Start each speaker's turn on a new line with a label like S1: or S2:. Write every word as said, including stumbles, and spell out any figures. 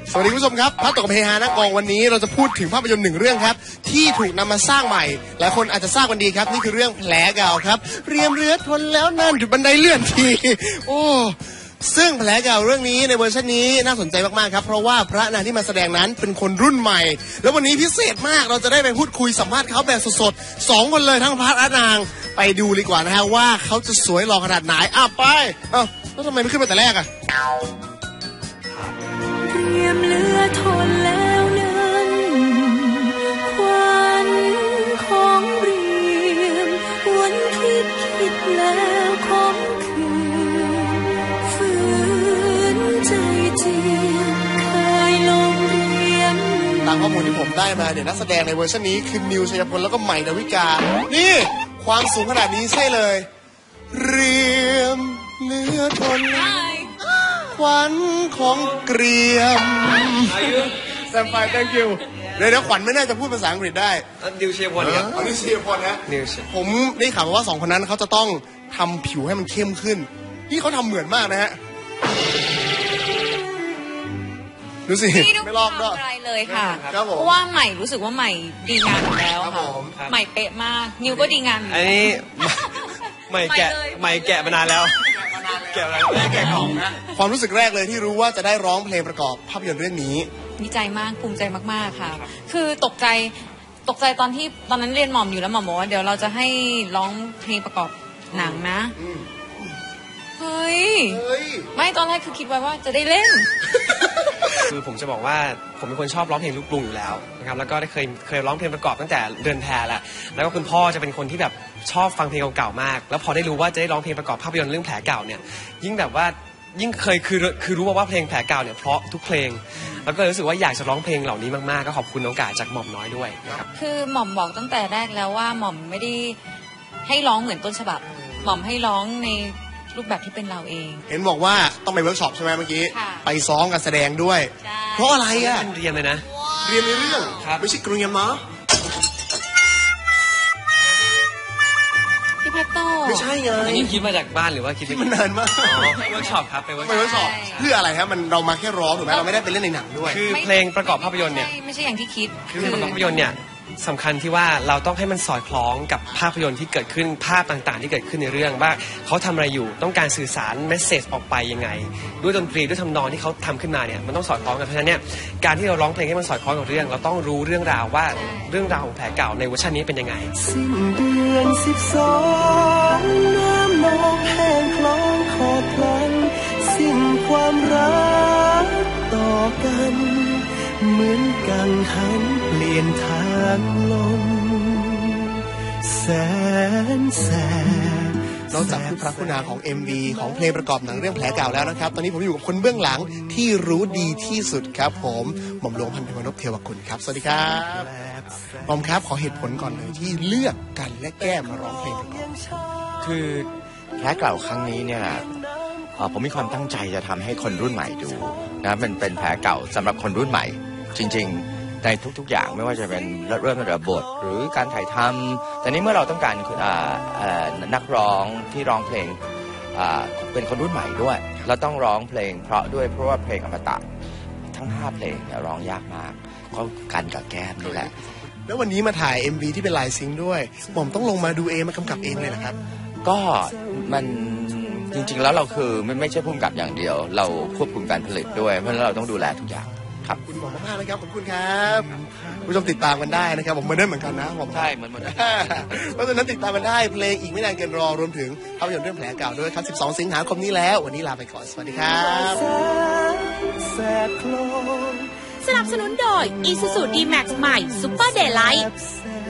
S1: สวัสดีผู้ชมครับพัดตกกับเฮฮาหน้ากองวันนี้เราจะพูดถึงภาพยนตร์หนึ่งเรื่องครับที่ถูกนำมาสร้างใหม่หลายคนอาจจะทราบกันดีครับนี่คือเรื่องแผลเก่าครับเรียมเรือทนแล้วนั่นจุดบันไดเลื่อนทีโอ้ซึ่งแผลเก่าเรื่องนี้ในเวอร์ชันนี้น่าสนใจมากๆครับเพราะว่าพระนางที่มาแสดงนั้นเป็นคนรุ่นใหม่แล้ววันนี้พิเศษมากเราจะได้ไปพูดคุยสัมภาษณ์เขาแบบสดๆสองคนเลยทั้งพระและนางไปดูดีกว่านะฮะว่าเขาจะสวยหล่อขนาดไหนอ่ะไปเอ้าแล้วทำไมไม่ขึ้นมาแต่แรกอ่ะ
S2: เรียมเรือทนแล้วนั้นควันของเรียมวนคิดคิดแล้วของคืนฝืนใจเจียมเคยลงเรียม
S1: ตามข้อมูลที่ผมได้มาเนี่ยนักแสดงในเวอร์ชันนี้คือนิวชัยพลแล้วก็ใหม่ดาวิกานี่ความสูงขนาดนี้ใช่เลยเรียมเรือทนควันของเกรียมแซมไฟ thank you เดี๋ยวเดี๋ยวขวัญไม่น่าจะพูดภาษาอังกฤษได้
S3: นิวเชียพลครับ
S1: นิวเชียพลนะผมได้ข่าวว่าสองคนนั้นเขาจะต้องทำผิวให้มันเข้มขึ้นนี่เขาทำเหมือนมากนะฮะดูสิ
S4: ไม่ลอกด้วยอะไรเลยค่ะเพราะว่าใหม่รู้สึกว่าใหม่ดีงานอยู่แล้วค่ะใหม่เป๊ะมากนิวก็ดีงาน
S3: อันนี้ใหม่แกะใหม่แกะมานานแล้วแกะอะไรแกะของนะ
S1: ความรู้สึกแรกเลยที่รู้ว่าจะได้ร้องเพลงประกอบภาพยนตร์เรื่องนี้
S4: ดีใจมากภูมิใจมากๆค่ะคือตกใจตกใจตอนที่ตอนนั้นเรียนหม่อมอยู่แล้วหม่อมบอกว่าเดี๋ยวเราจะให้ร้องเพลงประกอบหนังนะเฮ้ยไม่ตอนแรกคือคิดไว้ว่าจะได้เล่น
S3: คือผมจะบอกว่าผมเป็นคนชอบร้องเพลงลูกกรุงอยู่แล้วนะครับแล้วก็ได้เคยเคยร้องเพลงประกอบตั้งแต่เดือนแพรแล้วแล้วก็คุณพ่อจะเป็นคนที่แบบชอบฟังเพลงเก่าๆมากแล้วพอได้รู้ว่าจะได้ร้องเพลงประกอบภาพยนตร์เรื่องแผลเก่าเนี่ยยิ่งแบบว่ายิ่งเคยคือคือรู้ว่าเพลงแผลเก่าเนี่ยเพราะทุกเพลงแล้วก็รู้สึกว่าอยากจะร้องเพลงเหล่านี้มากๆก็ขอบคุณน้องกาจากหม่อมน้อยด้วยนะครับ
S4: คือหม่อมบอกตั้งแต่แรกแล้วว่าหม่อมไม่ได้ให้ร้องเหมือนต้นฉบับหม่อมให้ร้องในรูปแบบที่เป็นเราเอง
S1: เห็นบอกว่าต้องไปเวิร์กช็อปใช่ไหมเมื่อกี้ไปซ้อมกับแสดงด้วยเพราะอะไรอ่ะ
S3: เรียนเลยนะ
S1: เรียนในเรื่องไม่ใช่กรุงยามะ
S4: พี่เพชรโต
S1: ไม่ใช่ไง
S3: อันนี้คิดมาจากบ้านหรือว่าคิด
S1: มันนานมาก
S3: ไปเวิร์กช็อปครับไปเวิร์ก
S1: ช็อปเพื่ออะไรครับมันเรามาแค่ร้องถูกไหมเราไม่ได้ไปเล่นในหนังด้วย
S3: คือเพลงประกอบภาพยนตร์เนี่ย
S4: ไม่ใช่อย่างที่คิด
S3: คือเพลงประกอบภาพยนตร์เนี่ยสำคัญที่ว่าเราต้องให้มันสอดคล้องกับภาพยนตร์ที่เกิดขึ้นภาพต่างๆที่เกิดขึ้นในเรื่องว่าเขาทำอะไรอยู่ต้องการสื่อสารเมสเซจออกไปยังไงด้วยดนตรีด้วยทำนองที่เขาทำขึ้นมาเนี่ยมันต้องสอดคล้องกันเพราะฉะนั้นเนี่ยการที่เราร้องเพลงให้มันสอดคล้องกับเรื่องเราต้องรู้เรื่องราวว่าเรื่องราวของแผลเก่าในเวอร์ชันนี้เป็นยังไง
S2: สิ้นเดือนสิบสองน้ำนองแห้งคลองขอพลันสิ้นความรักต่อกันเหมือนกังหันเปลี่ยนทางลมแสนแสบ
S1: นอกจากผู้พระคุณาของ เอ็ม วี ของเพลงประกอบหนังเรื่องแผลเก่าแล้วนะครับตอนนี้ผมอยู่กับคนเบื้องหลังที่รู้ดีที่สุดครับผมหม่อมหลวงพันธุ์พนพเทวกุลครับสวัสดีครับหม่อมครับขอเหตุผลก่อนเลยที่เลือกกันและแก้มาร้องเพลงประกอบ
S5: คือแผลเก่าครั้งนี้เนี่ยผมมีความตั้งใจจะทำให้คนรุ่นใหม่ดูนะมันเป็นแผลเก่าสำหรับคนรุ่นใหม่จริงๆในทุกๆอย่างไม่ว่าจะเป็นเริ่มตั้งแต่บทหรือการถ่ายทำแต่นี้เมื่อเราต้องการนักร้องที่ร้องเพลงเป็นคนรุ่นใหม่ด้วยเราต้องร้องเพลงเพราะด้วยเพราะว่าเพลงอมตะทั้งห้าเพลงเนี่ยร้องยากมากก็กันกับแก้มนี่แหละ
S1: แล้ววันนี้มาถ่าย เอ็ม วี ที่เป็นลายซิงค์ด้วยผมต้องลงมาดูเองมากำกับเองเลยนะครับ
S5: ก็มันจริงๆแล้วเราคือไม่ไม่ใช่ผู้กำกับอย่างเดียวเราควบคุมการผลิตด้วยเพราะฉะนั้นเราต้องดูแลทุกอย่าง
S1: ครับคุณหมอมากๆนะครับขอบคุณครับผู้ชมติดตามกันได้นะครับผมเหมือนเดิมเหมือนกันนะผม
S5: ใช่เหมือนเหมือน
S1: เพราะฉะนั้นติดตามกันได้เพลงอีกไม่นานเกินรอรวมถึงภาพยนตร์เรื่องแผลเก่าด้วยครับสิบสองสิงหาคมนี้แล้ววันนี้ลาไปก่อนสวัสดีครับ
S2: สนับสนุนโดย Isuzu ดี แม็กซ์ ใหม่ Super Daylight